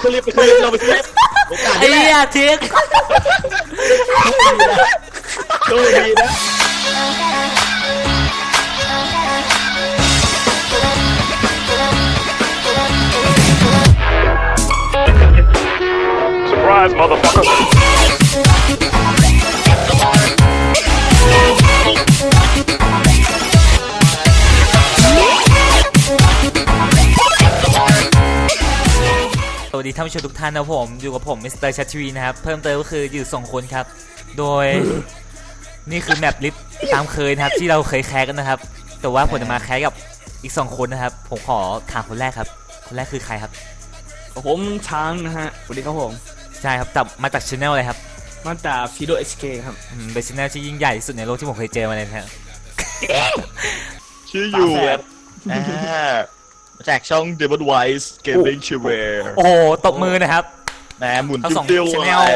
ขึ้นลิฟต์ไปขึ้นลิฟต์เราไปขึ้นลิฟต์โอกาสไอ้นี้แหเหี้ยละทิ้งโชคดีนะ Surprise, motherfucker! สวัสดีท่านผู้ชมทุกท่านนะผมอยู่กับผมมิสเตอร์ชัชวีนะครับเพิ่มเติมก็คืออยู่2คนครับโดย นี่คือแมปลิฟต์ตามเคยนะครับที่เราเคยแคสกันนะครับแต่ว่าผมจะมาแคสกับอีก2คนนะครับผมขอถามคนแรกครับคนแรกคือใครครับผมช้างนะฮะสวัสดีครับผมใช่ครับจับมาจากช anel อะไรครับมาจากฟิโดเอชเคครับเป็นช anel ที่ยิ่งใหญ่ที่สุดในโลกที่ผมเคยเจอมาเลยนะครับชื่ออยู่แบบมาจากช่อง Devil Wise Gaming Channel โอ้โหตบมือนะครับแหมหมุนทั้งสองติ้วๆ channel เลย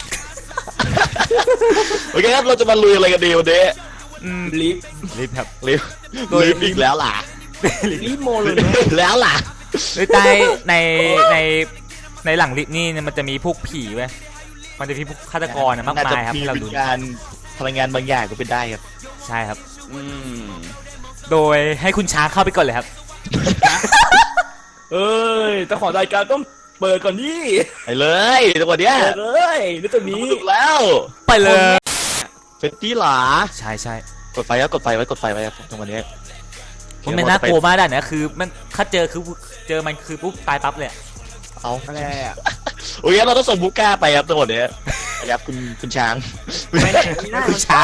โอเคครับเราจะมาลุยอะไรกันดีวันนี้ลิฟลิฟต์ครับลิฟต์ลิฟต์อีกแล้วล่ะลิฟโมเลยนะแล้วล่ะโดยใต้ในหลังลิฟต์นี่มันจะมีพวกผีเว้ยมันจะมีพวกฆาตกรนะมากมายครับมีที่เราวิดูญญาณพลังงานบางอย่างก็เป็นได้ครับใช่ครับอืมโดยให้คุณช้างเข้าไปก่อนเลยครับเอ้ยแต่ขอรายการต้องเปิดก่อนดิไปเลยจังหวะเนี้ยเปิดเลยนี่ตัวนี้ถูกแล้วไปเลยเฟตตี้หลาใช่ใช่กดไฟครับกดไฟไว้กดไฟไว้ครับจังหวะนี้มันไม่น่ากลัวมากได้นะคือมันถ้าเจอมันคือปุ๊บตายปั๊บเลยอะเอาอะไรอ่ะโอเคเราต้องส่งบุก้าไปครับจังหวะนี้ครับคุณช้างไม่ได้ไม่ได้คุณช้าง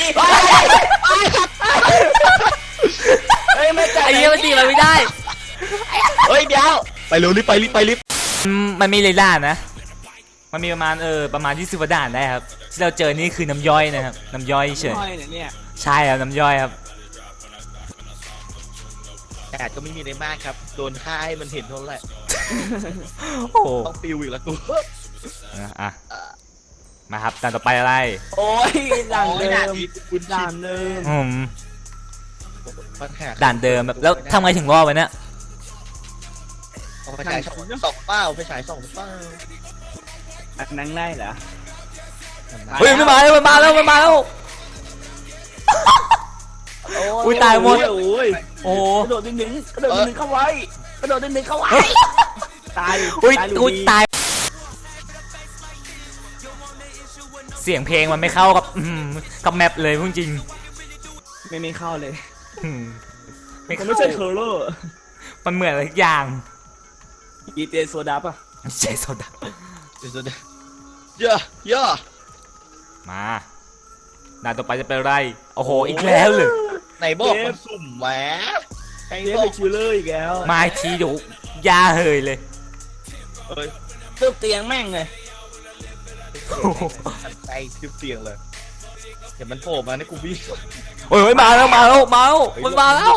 เฮ้ยไม่ใจไอ้เหี้ยมันตีมันไม่ได้เฮ้ยเดี๋ยวไปเร็วรีบไปรีบมันมีเลล่านะ มันมีประมาณ20กว่าด่านได้ครับที่เราเจอนี่คือน้ำย่อยนะครับน้ำย่อยเฉยไม่เนี่ยใช่ครับน้ำย่อยครับแต่ก็ไม่มีในมากครับโดนฆ่าให้มันเห็นเท่านั้นแหละโอ้โหต้องปิวอีกแล้วกูอ่ะมาครับด่านต่อไปอะไรโอ้ยด่านเดิด่าม ที่คุณด่านเดิมปัญหาด่านเดิมแบบแล้วทำไงถึงรอดไว้เนี่ยไปฉายสองเป้าไปฉายสองเป้าอันนั้นได้เหรอเฮ้ยมันมาแล้วอุ้ยตายหมดโอ้ยโอ้โหกระโดดหนึ่งเข้าไว้กระโดดหนึ่งเข้าไว้ตายอุ้ยลูกอุ้ยดีตายเสียงเพลงมันไม่เข้ากับแมปเลยพูดจริงไม่เข้าเลยไม่มันเข้าไม่ใช่เทอร์เลอร์มันเหมือนอะไรทุกอย่างอีเจโซดาป่ะใช่โซดาเดี๋ยวเยอะมาด่านต่อไปจะเป็นอะไรโอ้โหอีกแล้วเลยไหนบอกมันสุ่มแหวใครเรียกบอไปกคิวเลอร์อีกแล้วมาอีกทีเดี๋ยวยาเฮยเลยเอ้ยเติมเตียงแม่งเลยใจเสียงเลยเดี๋ยวมันโผล่มาในกูวิ่งโอ้ยมาแล้วมันมาแล้วมันมาแล้ว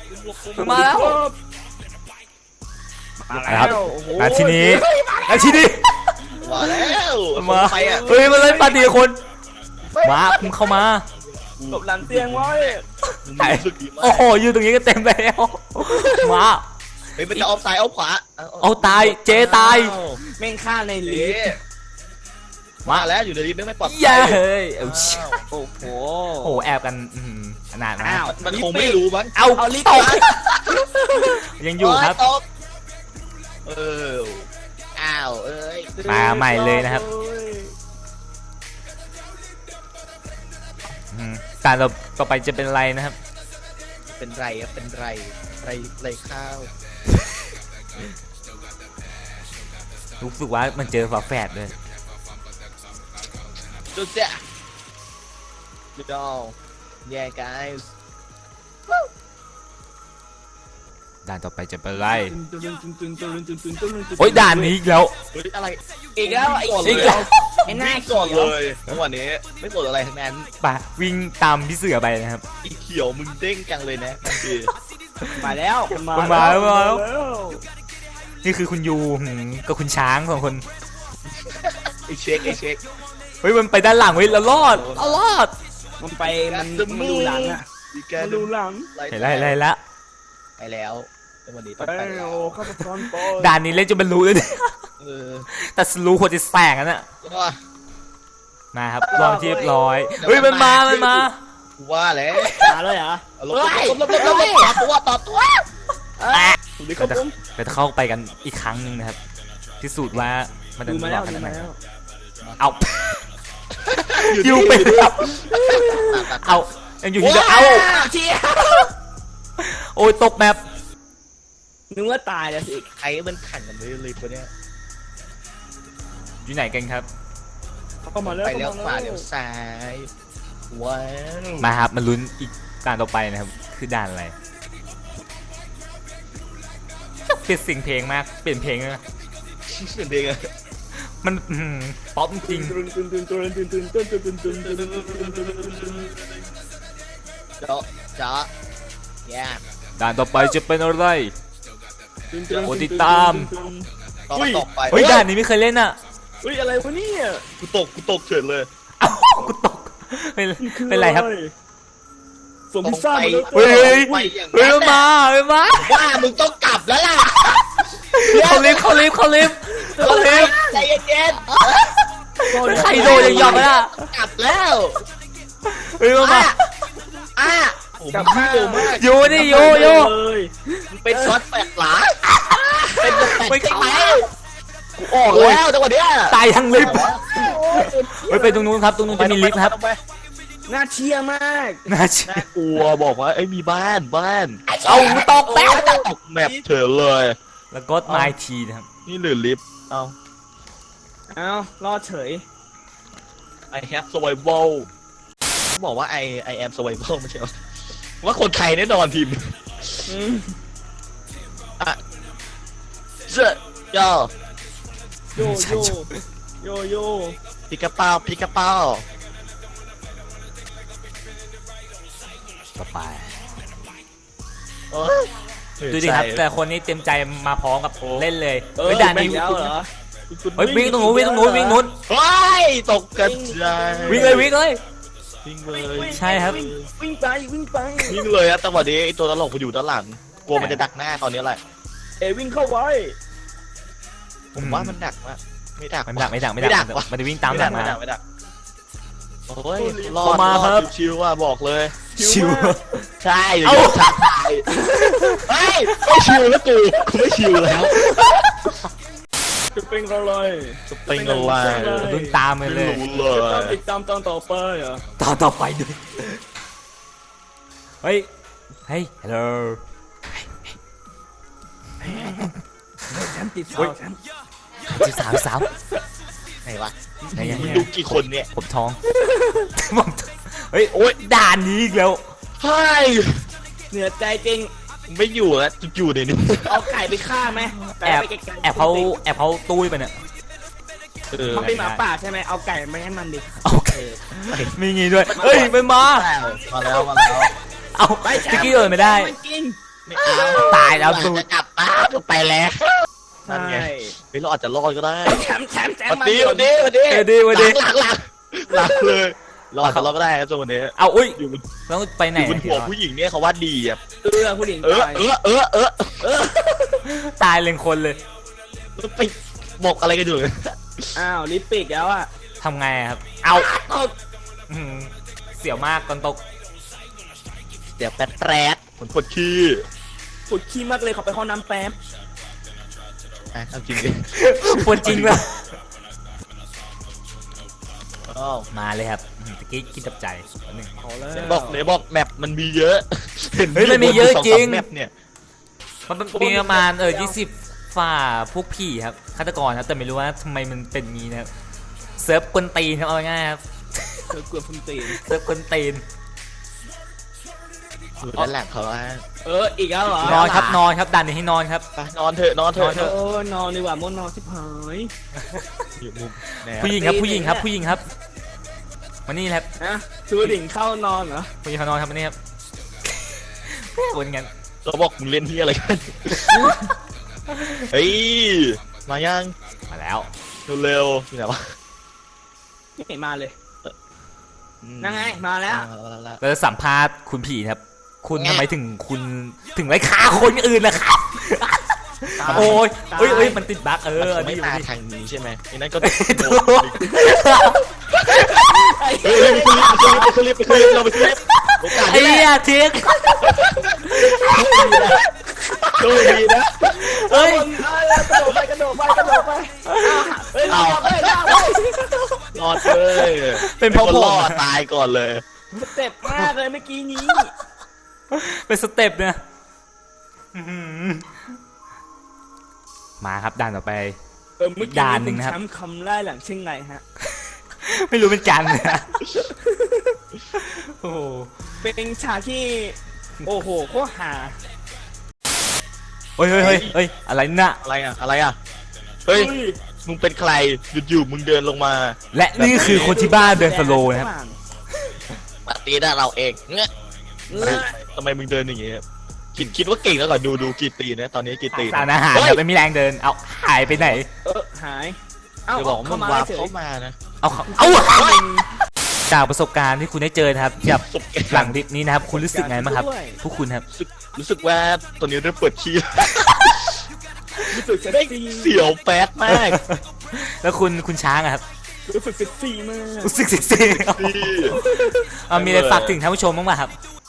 ครับโอ้โหนาทีนี้มาแล้วมาไปอ่ะเฮ้ยมาเลยปาดีคนมาคุณเข้ามาหลบหลังเตียงไว้รู้สึกดีมากโอ้โหอยู่ตรงนี้ก็เต็มแล้วมาเฮ้ยมันจะเอาซ้ายเอาขวาเอาตายเจตายแม่งฆ่าในลิเอ๊ฟต์มาแล้วอยู่ในลิฟต์ไม่ปลอดภัยยาเฮ้ยเอาโอ้โหโอ้โหแอบกันขนาดนะอ้าวมันคงไม่รู้มั้งเอาเอาลิฟต์ตกมายังอยู่ครับตกอ้าวเอ้ยมาใหม่เลยนะครับการต่อไปจะเป็นอะไรนะครับเป็นไรอะเป็นไรข้าวรู้สึกว่ามันเจอฝาแฝดเลยจุดเจ้าจุดดอลแย่ guys ด่านต่อไปจะเป็นอะไรโอ้โอ้ยด่านนี้อีกแล้วเฮ้ยอะไรอีกแล้วไอ้ก่อนอีกเลแล้ยวไอ้หน้าก่อนเขีเลยวยจังหวะนี้ไม่กดอะไรทั้งนั้นป่ะวิ่งตามพี่เสือไปนะครับอีเขียวมึงเด้งจังเลยนะนั่นคือมาแล้วมาแล้ว นี่คือคุณยูกับคุณช้างสองคนไอเช็คเฮ้ยมันไปด้านหลังเว้ยเรารอดมันไปมันดูหลังอ่ะดีแกมันดูหลังเห็นไรละไปแล้วจังหวะนี้ต้องไปไปแล้โอ้วฆาตกรปด่านนี้เล่นจนบรรลุเลยเนี่ยเออแต่สลูหัวจะแสงกันน่ะก็มาครับรอบที่เรียบร้อยเฮ้ยมันมากูว่าแล้วมาเลยเหรอลบต่อตัวถูกดิครับผมเราจะเข้าไปกันอีกครั้งหนึ่งนะครับพิสูจน์ว่ามันจะดูหมาลแล้อวกขดูนาดไหนมาแล้วเอาอยู่ไปครับเอายังอยู่ที่เดิมเอาเชียโอ้ยตกแมปนึกว่าตายแล้วสิใครมันขันกันเลยเลยคนเนี้ยอยู่ไหนกันครับเข้ามาแล้วไปเลี้ยวขวาเลี้ยวซ้าย ว้าวมาครับมาลุ้นอีกด่านต่อไปนะครับคือด่านอะไรเปลี่ยนเสียงเพลงมากเปลี่ยนเพลงเลยนะเสียงเด็กอะมันป๊อปจริงจ๊ะแย่ด่านต่อไปจะเป็นอะไร โอ้ติดตามต่อตกไปเฮ้ยด่านนี้ไม่เคยเล่นอ่ะเฮ้ยอะไรวะเนี่ยกูตกเฉยเลยเอ้ากูตกเป็นไรครับส่งพิซซ่ามาเลยเฮ้ยเฮ้ยไปอย่างเฮ้ยนั้นมาเฮ้ยมาว่ามึงต้องกลับแล้วล่ะเขาลิฟต์ใจเย็นใครโดนยังยอมไม่ได้ๆกลับแล้วเฮ้ยมาผมเร็วมากโยดิโยเป็นช็อตแปดหลาเป็นไม่ใช่เข้าไหมกูออกแล้วจังหวะเนี้ยตายทั้งลิฟต์เฮ้ยไปตรงนู้นครับตรงนู้นจะมีลิฟต์ครับน่าเชียร์มากน่าเชื่อน่ากลัวบอกว่าไอ้ยมีบ้านเอาตกแล้วตกแมปเฉยเลยแล้วก็ไมทีนะครับนี่หรือลิฟต์เอาเอ้ารอดเฉย I have survival บอกว่า I am survival ไม่ใช่เหรอว่าคนไทยแน่นอนทีมอืมเจ้าย่อโยโยโยโยพิกกระเป๋าพิกกระเป๋าต่อไปโอ้ยดูดิครับแต่คนนี้เต็มใจมาพร้อมกับเล่นเลยเออเฮ้ยด่านนี้แม่แล้วเหรอเฮ้ยวิ่งตรงนู้นวิ่งตรงนู้นวิ่งนู้นเฮ้ยตกกระจายวิ่งเลยวิ่งเลยวิ่งเลยใช่ครับวิ่งไปวิ่งไปวิ่งเลยอะแต่วันนี้ไอ้ตัวตลกมันอยู่ด้านหลังกลัวมันจะดักหน้าตอนนี้แหละวิ่งเข้าไว้ผมว่ามันดักมะไม่ดักไม่ดักไม่ดักไม่ไม่ดัดักกวะมันจะวิ่งตามหลังมาไม่ดักโอ้ยรอเข้าดมาครับชิวๆว่าบอกเลยชิวใช่อย่าโยนทักทายเฮ้ยไม่ชิวแล้วกูไม่ชิวแล้วจะเป็นอะไรจะเป็นอะไรลุ้นตามไปไม่เลยรู้เลจะยติดตามตอนต่อไปเหรอต่อไปด้วยเฮ้ยเฮ้ยฮัลโหลแชมป์ติดเฮ้ยแชมป์สาวไหนวะไหนยังมีลูกกี่คนเนี่ยผมท้องผมเฮ้ยโอ๊ยด่านนี้อีกแล้วเฮ้ยเหนือใจจริงไม่อยู่แล้วอยู่ในนี้เอาไก่ไปฆ่าไหมแอบแอบเขาตุ้ยไปเนี่ยมันเป็นหมาป่าใช่ไหมเอาไก่ไปให้มันดิโอเคมีงี้ด้วยเฮ้ยไม่มามาแล้วเอาตะกี้เดินไม่ได้มันกินไม่เอาตายแล้วสูจะกลับบ้านไปแล้ว นั่นไงใช่เฮ้ยเราอาจจะรอดก็ได้แชมป์วันมานี้เดี๋ยววันนี้วันนี้หลังเลยเราอาจจะรอดก็ได้ครับจังวันนี้เอาอุ้ยอยู่บนต้องไปไหนอยู่บนหัวผู้หญิงเนี่ยเขาว่าดีอ่ะผู้หญิงเออตายตายเลยคนเลยไปบอกอะไรกันอยู่อ้าวลิปปิกแล้วอ่ะทำไงอะครับ เอาอื้อหือเสียวมากตอนตกเดี๋ยวแป๊ดเหมือนปวดขี้ปวดขี้มากเลยขอไปห้องน้ำแป๊บเอาจริงดิปวดจริงป่ะอ้าวมาเลยครับตะกี้คิดจับใจหนึ่งเอาแล้วเดี๋ยวบอกแมปมันมีเยอะเฮ้ยมันมีเยอะจริงแมปเนี่ยมันมีประมาณ20ฝ่าพวกผีครับฆาตกรครับแต่ไม่รู้ว่าทำไมมันเป็นงี้นะครับเซิร์ฟกวนตีนครับเอาง่ายๆครับเธอกลัวฟุนตีนเซิร์ฟกวนตีนอยู่ด้านหลังเขาว่าอีกแล้วเหรอนอนครับนอนครับดันนี้ให้นอนครับไปนอนเถอะนอนเถอะนอนดีกว่าม่วนนอนชิบหายอยู่มุมแนวผู้หญิงครับผู้หญิงครับผู้หญิงครับมานี่ครับนะชูดิ่งเข้านอนเหรอผู้หญิงเขานอนครับมานี่ครับวนกันเราบอกมึงเล่นที่อะไรกัน เฮ้ยมายังมาแล้วเร็วๆที่ไหนวะไม่เห็นมาเลยนั่งไงมาแล้วเราจะสัมภาษณ์คุณผีครับ คุณทำไมถึงคุณถึงไล่ฆ่าคนอื่นล่ะครับโอ้ยเอ้ยมันติดบั๊กมันอันไม่นี้มาอันนี้ทางนี้ใช่ไหมไอ้นั่นก็ถูกเฮ้ยไปขึ้นลิฟต์เราไปขึ้นลิฟต์โอกาสไอ้นี่แหเหี้ยละทิ้งโชคดีนะเฮ้ยกระโดดไปเฮ้ยเอาไปรอดเลยเป็นเพราะคนผมรอดตายก่อนเลยสเต็ปมากเลยเมื่อกี้นี้เป็นสเต็ปเนี่ยอื้อหือมาครับด่านต่อไปเมื่อกี้ด่านหนึ่งนะครับแชมป์คำไล่หลังเช่นไรฮะไม่รู้เป็นกันเลยนะโอ้โหเป็นฉากที่โอ้โหโคตรหาเฮ้ยอะไรน่ะอะไรอ่ะเฮ้ยมึงเป็นใครอยู่ๆมึงเดินลงมาและนี่คือคนที่บ้านเดินสโลว์นะครับปาร์ตี้ได้เราเองเงี้ยทำไมมึงเดินอย่างเงี้ยคิดว่าเก่งแล้วก่อนดูกี่ตีนะตอนนี้กี่ตีสารอาหารแบบไม่มีแรงเดินเอาหายไปไหนหายจะบอกมึงวาร์ปเข้ามานะเอาจากประสบการณ์ที่คุณได้เจอนะครับกับสบหลังคลิปนี้นะครับคุณรู้สึกไงบ้างครับพวกคุณครับรู้สึกว่าตอนนี้เริ่มเปิดขี้รู้สึกเซ็กซี่เสียวแป๊ดมากแล้วคุณช้างอะครับรู้สึกเซ็กซี่มากรู้สึกเซ็กซี่นี่มีอะไรฝากถึงท่านผู้ชมบ้างไหมครับ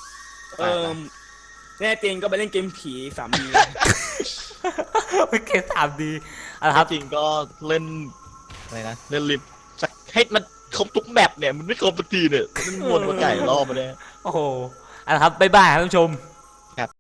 แน่เตียงก็ไปเล่นเกมผีสามีเกมถามดีครับจริงก็เล่นอะไรนะเล่นลิฟต์สักให้มันครบทุกแมปเนี่ยมันไม่ครบสักทีเนี่ยมันวนมาไก่รอบมาเนี่ยโอ้โหครับบ๊ายบายครับท่านผู้ชม